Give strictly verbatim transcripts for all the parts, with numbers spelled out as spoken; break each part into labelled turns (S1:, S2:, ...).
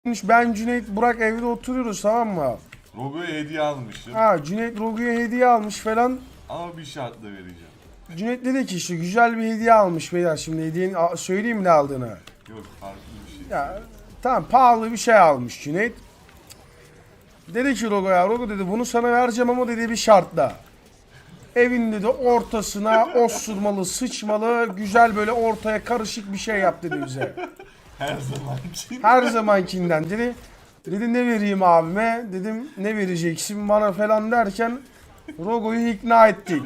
S1: Ben Cüneyt Burak evde oturuyoruz, tamam mı?
S2: Rogo'ya hediye almışım.
S1: Ha, Cüneyt Rogu'ya hediye almış falan.
S2: Ama bir şartla vereceğim.
S1: Cüneyt dedi ki işte güzel bir hediye almış beyler, şimdi hediyenin a- söyleyeyim mi ne aldığını.
S2: Yok, farklı bir şey.
S1: Ya tamam, pahalı bir şey almış Cüneyt. Dedi ki Rogo'ya, Rogo dedi bunu sana vereceğim ama dedi bir şartla. Evin dedi ortasına osurmalı, sıçmalı, güzel böyle ortaya karışık bir şey yap dedi bize.
S2: Her zamanki.
S1: Her zamankinden dedi. Dedi ne vereyim abime? Dedim ne vereceksin bana falan derken Rogo'yu ikna ettik.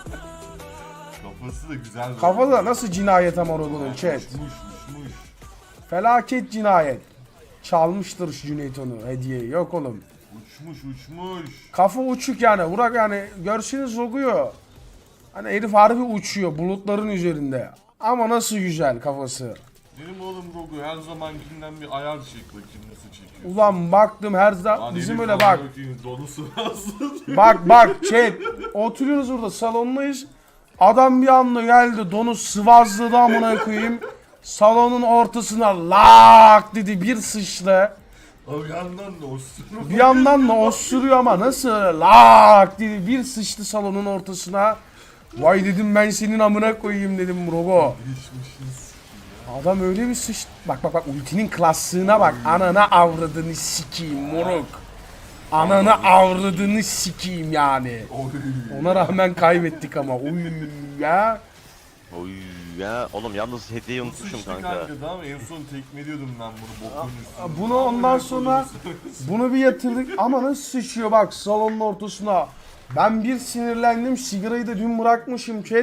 S2: Kafası da güzel.
S1: Kafada nasıl cinayet ama Rogo'nun chat.
S2: Uçmuş uçmuş.
S1: Felaket cinayet. Çalmıştır şu Cüneyt onu, hediyeyi. Yok oğlum.
S2: Uçmuş uçmuş.
S1: Kafa uçuk yani. Burak yani görseniz Rogo'yu. Hani herif harbi uçuyor bulutların üzerinde. Ama nasıl güzel kafası.
S2: Benim oğlum Rogo her zamankinden bir ayar çek bakayım nasıl çekiyor.
S1: Ulan baktım her zaman
S2: Lan
S1: bizim
S2: herif
S1: öyle
S2: bana
S1: bak.
S2: bakayım, donusu nasıl?
S1: Bak bak chat. Oturuyoruz burada, salondayız. Adam bir anda geldi, donu sıvazladı amına koyayım. Salonun ortasına lak dedi, bir sıçtı.
S2: O yandan da osuruyor.
S1: Bir yandan da osuruyor ama nasıl lak dedi, bir sıçtı salonun ortasına. Vay dedim ben senin amına koyayım dedim Rogo.
S2: Geçmişiz.
S1: Adam öyle bir sıçtı. Bak bak bak, ultinin klaslığına bak. Anana avradını sikeyim moruk. Ananı avradını sikeyim yani.
S2: Oy.
S1: Ona rağmen kaybettik ama. Uy ya.
S3: Oy ya oğlum yalnız hediyeyi unutmuşum
S2: Sıçtı
S3: kanka.
S2: kanka, tamam en son tekmeliyordum ben bunu bokun üstüne.
S1: Bunu ondan sonra bunu bir yatırdık ama nasıl sıçıyor bak salonun ortasına. Ben bir sinirlendim, sigarayı da dün bırakmışım chat.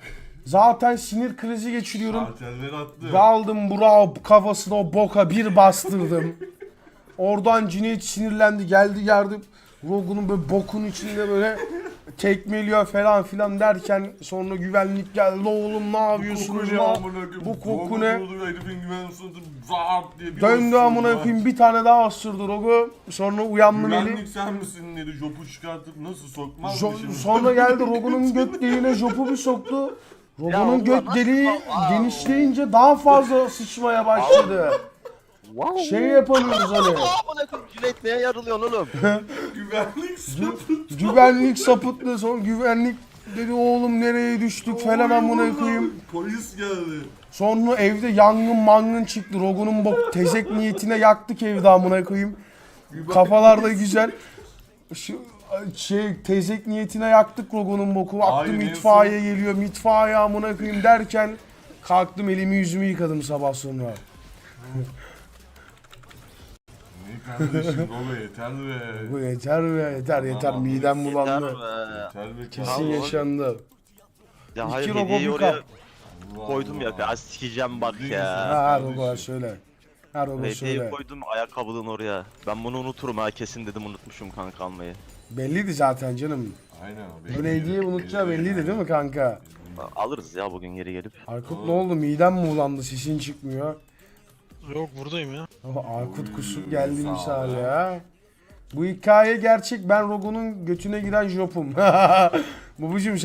S1: Zaten sinir krizi geçiriyorum.
S2: Karteller attı.
S1: Daldım Burak'ı kafasına, o boka bir bastırdım. Oradan Cüneyt sinirlendi, geldi geldi. Rogu'nun böyle bokun içinde böyle tekmeliyor falan filan derken sonra güvenlik geldi. Oğlum ne yapıyorsunuz
S2: Koku ne
S1: lan?
S2: amına koyayım?
S1: Bu koku
S2: Rogo
S1: ne?
S2: dolu, herifin güven suratı zart diye bir
S1: Döndü
S2: osurdu
S1: amına
S2: lan.
S1: koyayım, bir tane daha osurdu Rogu. Sonra uyandım eli.
S2: Güvenlik sen misin dedi, jopu çıkartıp nasıl sokmaz mı
S1: Jo-
S2: şimdi?
S1: sonra geldi Rogu'nun göt deliğine jopu bir soktu. Rogu'nun
S3: Allah,
S1: göt
S3: nasıl
S1: deliği
S3: bak- Aa.
S1: genişleyince daha fazla sıçmaya başladı.
S3: Wow.
S1: Şey yapamıyoruz hani.
S3: Amına koyayım Cüneyt neye yarılıyorsun oğlum?
S2: Güvenlik sapıt.
S1: Güvenlik sapıttı, sonra güvenlik dedi oğlum nereye düştük falan amına koyayım.
S2: Polis geldi.
S1: Sonra evde yangın mangın çıktı. Rogu'nun bok tezek niyetine yaktık evde amına koyayım. Kafalar da güzel. Şu şey tezek niyetine yaktık Rogu'nun boku. Baktım
S2: Hayır, en
S1: itfaiye geliyor. İtfaiye amına koyayım derken kalktım elimi yüzümü yıkadım sabah sonra.
S2: Ne kardeşim Rogo yeter be.
S1: Bu yeter be, yeter yeter,
S2: Aman,
S1: midem
S3: Yeter
S1: bulandı.
S3: be.
S2: Yeter be.
S1: Kesin
S3: Tamam.
S1: yaşandı.
S3: Ya
S1: İki
S3: hayır
S1: robo,
S3: hediyeyi
S1: bir
S3: oraya
S1: kap.
S3: koydum ya. Ya sikeceğim bak ya.
S1: Ha Rogo söyle. Ha Rogo
S3: Hediyeyi
S1: söyle.
S3: koydum ayakkabılığın oraya. Ben bunu unuturum ha kesin dedim unutmuşum kanka almayı.
S1: Belliydi zaten canım.
S2: Aynen
S1: Bu hediye unutacağı belliydi değil mi kanka?
S3: Alırız ya bugün geri gelip.
S1: Aykut ne oldu? Midem mi ulandı? Sesin çıkmıyor.
S4: Yok buradayım ya.
S1: Ama Aykut kusup geldi
S2: sağ ol
S1: misal
S2: ya.
S1: ya. Bu hikaye gerçek. Ben Rogo'nun götüne giren jopum. Babacım